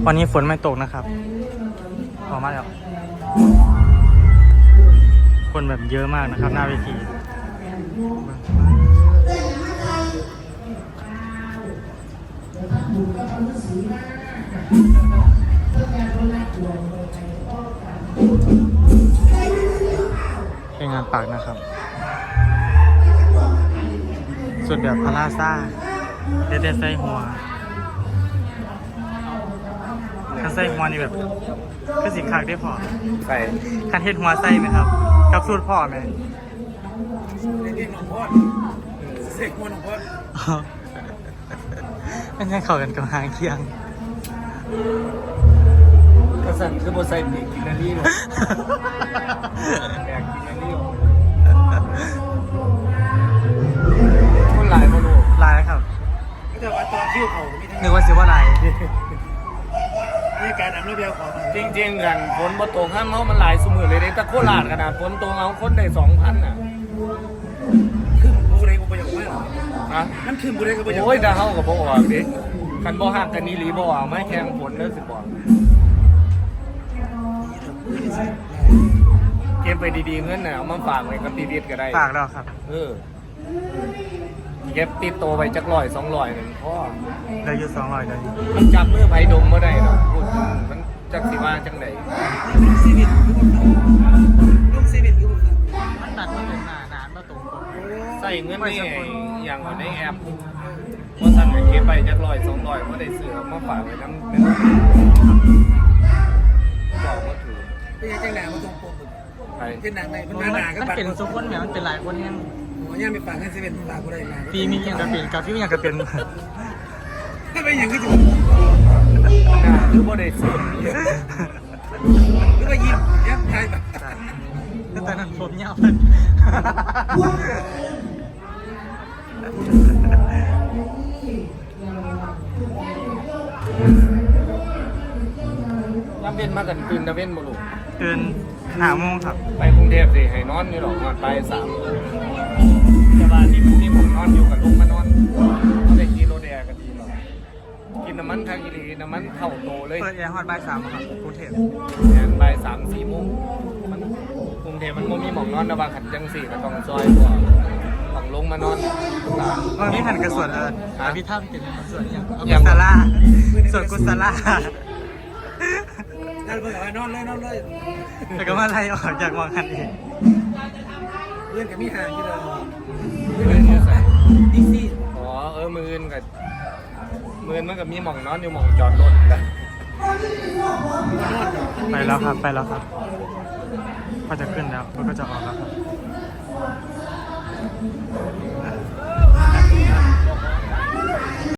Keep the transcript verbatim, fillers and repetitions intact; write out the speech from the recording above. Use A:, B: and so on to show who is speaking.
A: วันนี้ฝนไม่ตกนะครับออกมาแล้วคนแบบเยอะมากนะครับหน้าเวทีเป็นงานปากนะครับส่วนแบบพาราซ่าเด็ดๆใส่หัวคันใส่หัวนี่แบบคือสินค้าได้พอ
B: ใส่
A: คันเฮ็ดหัวใส่ไหมครับกับสูตรพ่อไหม
C: เด็กๆหนองพ่อเสกหัวหนองพ่อ
A: ไม่ใช่เข้ากันกับหางเคียง
B: กระสันคือโบใส่ปีกกินนารีเลยแบกกินนารีคนหลายมาดู
A: ลายแล้วครับ
C: ก็จะว่าตอนคิ้วเขาไม่ได้
A: นึกว่าสิว่าลาย
C: นี่การนำระเบียบของ
B: จริงๆกันฝนบ่ตกห้ามเขามันหลายสมือเลยเด้แต่โคราชขนาดฝนตกเอาคนได้สองพันอ่ะ
C: ขึ้นบูเรกูไปอย่างว่า
B: ฮะ
C: นั่นขึ้นบูเรกูไปอย่าง
B: โอ้ยดาเฮากับบ่ออกดิคันบ่ฮักกันนี่หลีบ่เอาไม่แข่งฝนเด้อสิบอกเก็บไปดีๆเงินน่ะเอามาฝากไว้กับตีเด็ดก็ได้
A: ฝากแล้วครับ
B: เออเก็บติดตัวไปจักร้อยสองร้อยหนึ่งพ่อ
A: ได้อยู่สองร้อยเลย
B: มันจับมือไผดมบ่ได้ดอกพูดถึงมันจักสิว่าจังได
C: ลูกซีวิตลูกซีวิตคือ
A: มันตัดมาตรงหน้าหนานมาตรงปก
B: ใส่เงินนี่อย่างว่าในแอปว่าสั่นก็เก็บไปจักร้อยสองร้อยบ่ได้ซื้อเอามาฝากไว้นำนึงบอกว่าถือ
C: เป็นยังไงหนามาตรงปก
B: ไป
C: เป็นหนังไหนมัน
A: มัน
C: หนาก็
A: มัน
C: ปัด
A: เป็นสุกคนแหมมันเป็นหลายคนเนี่ย
C: หัวย่ามีปากให้ซีวิตปากกูได้หนา
A: ปีมีอย่างกระเป็นกาฟิวอย่างกระเป็น
C: ถ้าเป็นอย่างก็จะ
B: น่าคือบ่ได้ซื้อ
C: หรือว่ายิ้มยิ้มใครแบบ
A: แต่ตอนนั้นผมยาวเลย
B: น้ำเว้นมากันตื่นตะเว้นบ่ลูก
A: ตื่นหาโมงครับ
B: ไปกรุงเทพสิให้นอนอยู่หรอกนอนไปสามแต่ว่าที่ที่ผมนอนอยู่กับลุงมานอนเขาได้กินโรแดกันดีหรอกกินน้ำมันทางอีหลีน้ำมันเข้าโตเลย
A: เปิดแอร์ฮอตบ่ายสามครับกรุงเทพ
B: แอนไปสามสี่โมงมันกรุงเทพมันบ่มีหมองนอนนะบางขันจังสี่ก็ต้องซอยตัวต้องลงมานอนตาม
A: มันมีแผ่นกระสวนเอิญ
B: ฮะ
A: พี่ท่าเป็นส่วนอย่างเอา
B: อย่า
A: กุ
B: ง
A: ศลาส่วนกุศลา
C: นั่นเพื่อนว่านอนเลยนอนเลย
A: แต่ก็มาไล่ออกจากมองคันอีก
C: เพื่อนกับมีห่างที่เรา
B: เล่นอยู่ใส่
C: ดิซี่
B: อ๋อเออมือนกับมือนมันก็มีหมองนอนอยู่หมองจอดรถแหละ
A: ไปแล้วครับไปแล้วครับพอจะขึ้นแล้วรถก็จะออกแล้วครับ